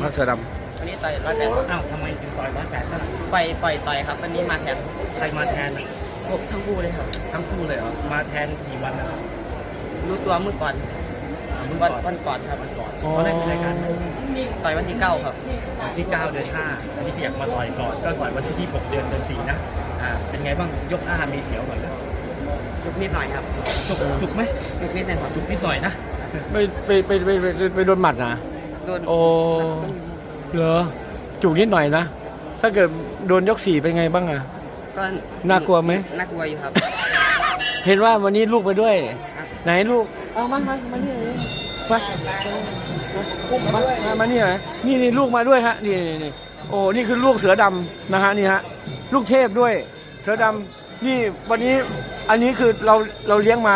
ครับเสือดวันนี้ต่อย180 อ้าวทำไมถึงต่อย180ซะล่ะปล่อยต่อยครับวันนี้มาแทนใครมาแทนทั้งคู่เลยครับทั้งคู่เลยเหรอมาแทนกี่วันนะครับรู้ตัวเมื่อก่อนวันก่อนครับวันก่อนตอนแรกเป็นรายการต่อยวันที่9ครับวันที่9 เดือน 5อันนี้อยากมาต่อยก่อนก็ต่อยวันที่26 เดือน 4นะเป็นไงบ้างยก5มีเสียวหน่อยนะจุกนิดหน่อยครับจุกไหมจุกนิดนึงครับจุกนิดหน่อยนะไปโดนหมัดนะโดนโอ้เหรอจุกนิดหน่อยนะถ้าเกิดโดนยก4เป็นไงบ้างอ่ะก็น่ากลัวไหมน่ากลัวอยู่ครับเห็นว่าวันนี้ลูกไปด้วยไหนลูกเอามานี่มานี่หน่อยนี่ลูกมาด้วยฮะนี่โอ้นี่คือลูกเสือดำนะฮะนี่ฮะลูกเทพด้วยเสือดำนี่วันนี้อันนี้คือเราเลี้ยงมา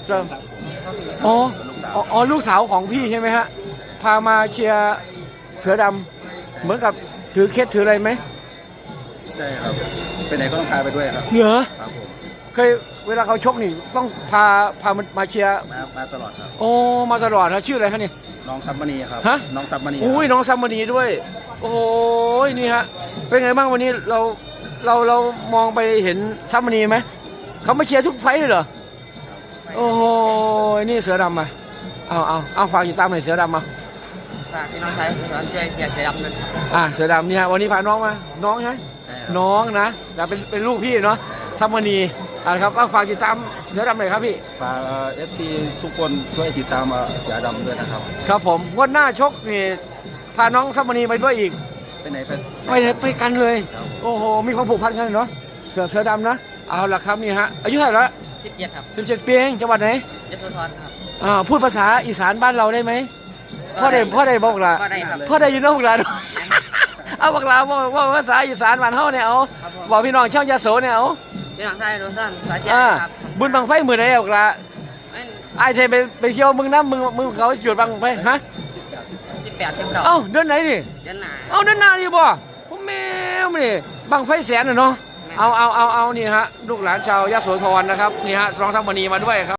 อ๋อลูกสาวของพี่ใช่ไหมฮะพามาเชียร์เสือดำเหมือนกับถือเคสถืออะไรไหมใช่ครับไปไหนก็ต้องพาไปด้วยครับเหรอครับผมเคยเวลาเขาชกนี่ต้องพามาเชียร์มาตลอดครับโอ้มาตลอดนะชื่ออะไรคะนี่น้องซับมณีครับฮะน้องซับมณีอุ้ยน้องซับมณีด้วยโอ้ยนี่ฮะเป็นไงบ้างวันนี้เรามองไปเห็นซับมณีไหมเขามาเชียร์ทุกไฟเลยเหรอโอ้โหนี่เสือดำมาเอาฝากติดตามหน่อยเสือดำมาฝากพี่น้องชายช่วยเสือดำด้วยครับเสือดำเนี่ยวันนี้พาน้องมาน้องใช่น้องนะแต่เป็นลูกพี่เนาะซับมณีครับฝากติดตามเสือดำหน่อยครับพี่ฝากFT ทุกคนช่วยติดตามเสือดำด้วยนะครับครับผมวันหน้าชกนี่พาน้องซับมณีไปด้วยอีกไปไหนไปกันเลยโอ้โหมีความผูกพันกันเนาะเสือดำนะเอาละครับนี่ฮะอายุเท่าไหร่ละ 17ครับ 17 ปีเองจังหวัดไหนยโสธรครับพูดภาษาอีสานบ้านเราได้ไหมพ่อได้บอกละพ่อได้ยินน้องละเอาบอกละว่าภาษาอีสานบ้านเฮาเนี่ยเอาบอกพี่น้องชาวยโสเนี่ยเอาพี่น้องชายโรซันสายเชียร์ครับบุญบังไฟมือไหนบอกละไอ้เทไปเที่ยวมึงน้ำมึงเขาหยุดบังไฟฮะ 18 19 เอ้าเดือนไหนนี่เดือนหน้าเดือนหน้านี่บ่ผมแม่นี่บังไฟแสนเนาะเอานี่ฮะลูกหลานชาวยโสธรนะครับนี่ฮะน้องซับมณีมาด้วยครับ